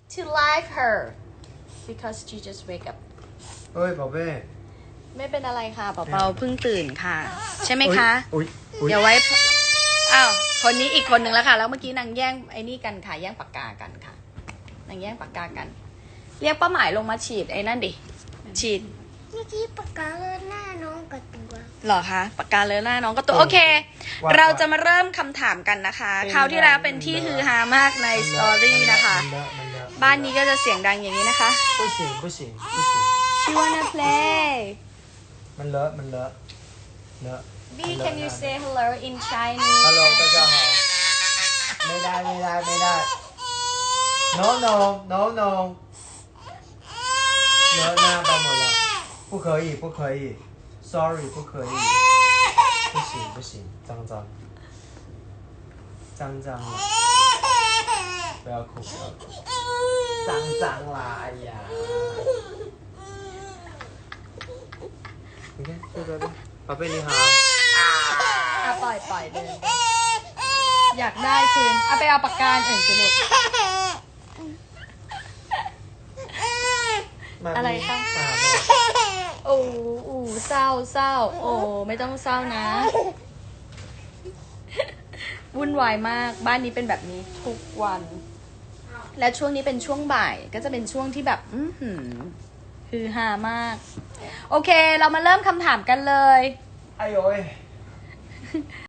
to like her because she just wake up เอ้ย宝贝ไม่เป็นอะไรค่ะเปาๆเพิ่งตื่นค่ะใช่ไหมคะอุ๊ยเดี๋ยวไว้อ้าวคนนี้อีกคนหนึ่งแล้วค่ะแล้วเมื่อกี้นางแย่งไอ้นี่กันค่ะแย่งปากกากันค่ะนางแย่งปากกากันเรียกป้าหมายลงมาฉีดไอ้นั่นดิฉีดเมื่อกี้ปากกาเลอะหน้าน้องกับตัวหรอคะปากกาเลอะหน้าน้องก็ตัวโอเค เราจะมาเริ่มคำถามกันนะคะคราวที่แล้วเป็นที่ฮือฮามากในสตอรี่นะคะบ้านนี้ก็จะเสียงดังอย่างนี้นะคะ不行不行不行 She wanna play มันเลอะมันเลอะเลอะ B can you say hello in Chinese Hello 大家好ไม่ได้ไม่ได้ไม่ได้ No no no no เลอะหน้าไปหมด了不可以不可以 Sorry 不可以不行不行脏脏脏脏了不要哭不要哭脏脏啦哎呀你看对对对宝贝你好อ่ะปล่อยเดินอยากได้คืนเอาไปเอาปากกาอื่นสิลูกอะไรคะโอ้เศร้าโอ้ไม่ต้องเศร้านะวุ่นวายมากบ้านนี้เป็นแบบนี้ทุกวันและช่วงนี้เป็นช่วงบ่ายก็จะเป็นช่วงที่แบบฮือฮามากโอเคเรามาเริ่มคำถามกันเลย哎呦喂